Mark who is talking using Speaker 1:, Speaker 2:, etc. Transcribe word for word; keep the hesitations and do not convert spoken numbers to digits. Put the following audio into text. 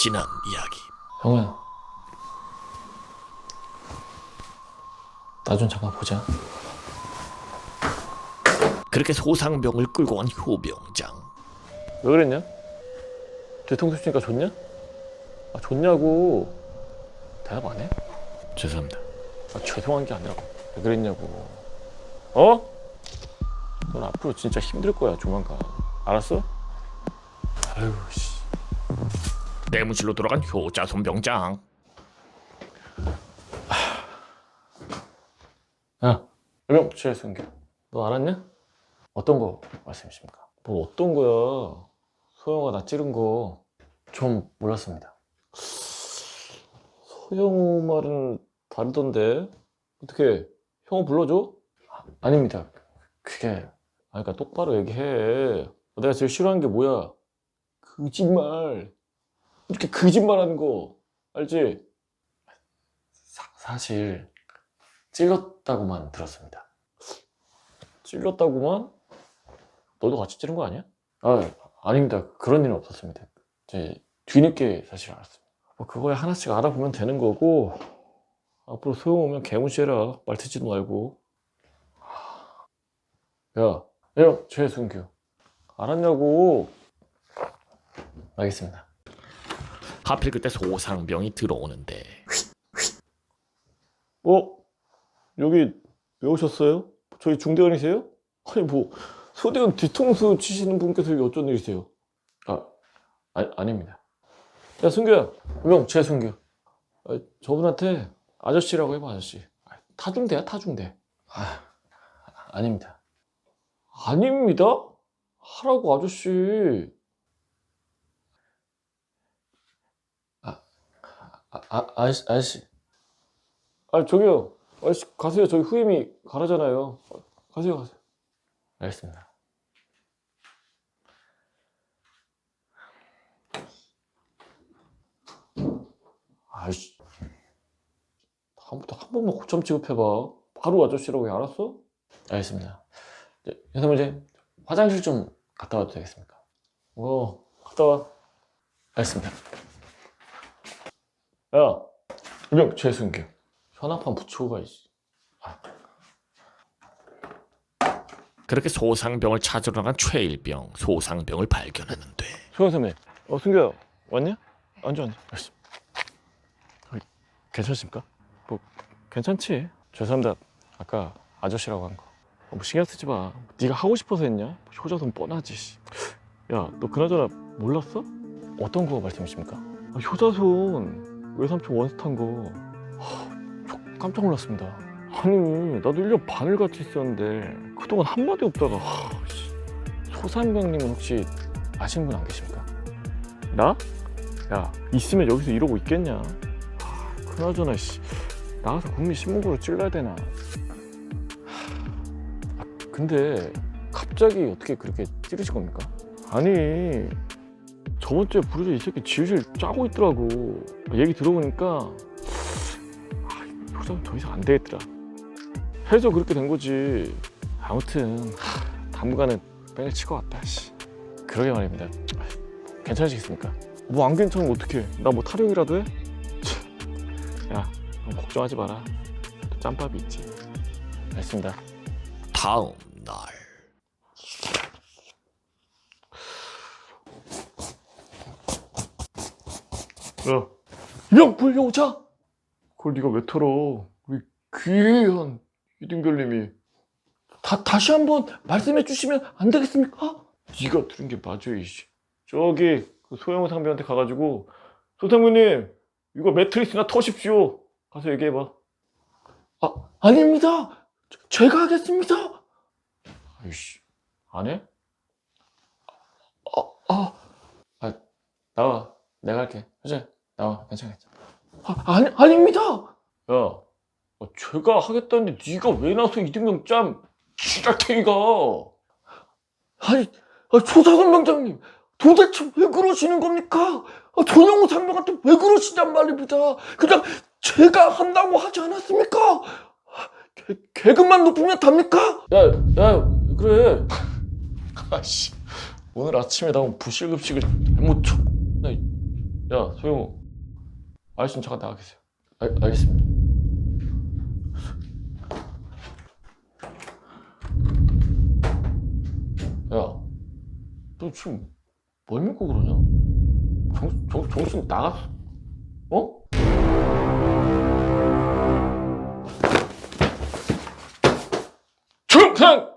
Speaker 1: 지난 이야기.
Speaker 2: 형은 나 좀 잠깐 보자.
Speaker 1: 그렇게 소상병을 끌고 간 효병장.
Speaker 2: 왜 그랬냐? 뒤통수 치니까 좋냐? 아 좋냐고. 대답 안 해?
Speaker 1: 죄송합니다.
Speaker 2: 아 죄송한 게 아니라 왜 그랬냐고. 어? 넌 앞으로 진짜 힘들 거야 조만간. 알았어? 아유 씨.
Speaker 1: 내무실로 돌아간 효자손 병장.
Speaker 2: 야, 여명 최순규. 너 알았냐? 어떤 거 말씀이십니까? 뭐 어떤 거야? 소영아 나 찌른 거 좀 몰랐습니다. 소영우 말은 다르던데 어떻게 형우 불러줘? 아, 아닙니다. 그게 아 그러니까 똑바로 얘기해. 내가 제일 싫어하는 게 뭐야? 거짓말. 이렇게 거짓말하는 거 알지? 사, 사실 찔렀다고만 들었습니다. 찔렀다고만? 너도 같이 찌른 거 아니야? 아 아닙니다. 그런 일은 없었습니다. 제 뒤늦게 사실 알았습니다. 뭐 그거에 하나씩 알아보면 되는 거고 앞으로 소용 오면 개무시해라. 말 듣지도 말고. 야, 야, 최순규 알았냐고. 알겠습니다.
Speaker 1: 하필 그때 소상병이 들어오는데.
Speaker 2: 어? 여기 왜 오셨어요? 저희 중대원이세요? 아니 뭐 소대원 뒤통수 치시는 분께서 여기 어쩐 일이세요? 아, 아 아닙니다. 야 순규야, 명 최순규. 아, 저분한테 아저씨라고 해봐. 아저씨. 아, 타중대야 타중대. 아 아닙니다. 아닙니다? 하라고 아저씨. 아, 아, 아 아저씨 아저씨. 아 저기요. 아저씨 가세요. 저희 후임이 가라잖아요. 가세요 가세요. 알겠습니다. 아이씨. 다음부터 한 번만 고참 취급해봐. 바로 아저씨라고 해. 알았어? 알겠습니다. 현사모님 화장실 좀 갔다 와도 되겠습니까? 어 갔다 와. 알겠습니다. 야 유명 최순규 현악판 붙이고 가야지. 아.
Speaker 1: 그렇게 소상병을 찾으러 나간 최일병. 소상병을 발견하는데.
Speaker 2: 소영 선배. 어 순규야 왔냐? 앉아 앉아. 알았어. 어, 괜찮습니까? 뭐 괜찮지. 죄송합니다. 아까 아저씨라고 한 거. 어, 뭐 신경 쓰지 마. 네가 하고 싶어서 했냐? 효자손 뻔하지. 야 너 그나저나 몰랐어? 어떤 거 말씀이십니까? 아, 효자손 외삼촌 원스타인 거. 하, 저 깜짝 놀랐습니다. 아니 나도 일 년 반을 같이 있었는데 그동안 한마디 없다가 하, 씨. 소상병님은 혹시 아시는 분 안 계십니까? 나? 야 있으면 여기서 이러고 있겠냐? 하, 그나저나 씨 나가서 국민 신문고로 찔러야 되나? 아, 근데 갑자기 어떻게 그렇게 찌르신 겁니까? 아니 저번 주에 부르자 이 새끼 지우실 짜고 있더라고. 얘기 들어보니까 아, 효자는 더 이상 안 되겠더라. 해서 그렇게 된 거지. 아무튼 하, 당분간은 뺑을 칠 것 같다. 씨. 그러게 말입니다. 괜찮으시겠습니까? 뭐 안 괜찮으면 어떡해. 나 뭐 타령이라도 해? 야 넌 걱정하지 마라. 또 짬밥이 있지. 알겠습니다.
Speaker 1: 다음 날.
Speaker 2: 야 명불효자? 그걸 네가 왜 털어? 우리 귀한 이등별님이 다, 다시 한번 말씀해 주시면 안 되겠습니까? 네가 들은 게 맞아 이씨. 저기 그 소영우 상병한테 가가지고 소상무님 이거 매트리스나 터십시오. 가서 얘기해봐. 아 아닙니다. 저, 제가 하겠습니다. 아이씨 안 해? 아, 아, 아 나와. 내가 할게. 효자 나와. 괜찮아 괜찮아. 아 아니 아닙니다. 야 아, 제가 하겠다는데 네가 왜 나서 이등병 짬 지랄탱이가. 아니 아, 조상훈 병장님 도대체 왜 그러시는 겁니까? 아, 전영우 상병한테 왜 그러시냔 말입니다. 그냥 제가 한다고 하지 않았습니까? 개, 계급만 높으면 답니까? 야, 야 그래. 아씨 오늘 아침에 나온 부실급식을 잘못 쳐. 야, 야, 소영우. 아저씨 잠깐 나가 계세요. 알, 알겠습니다. 야, 너 지금 뭘 믿고 그러냐? 정, 정, 정신 나갔어? 어? 정상!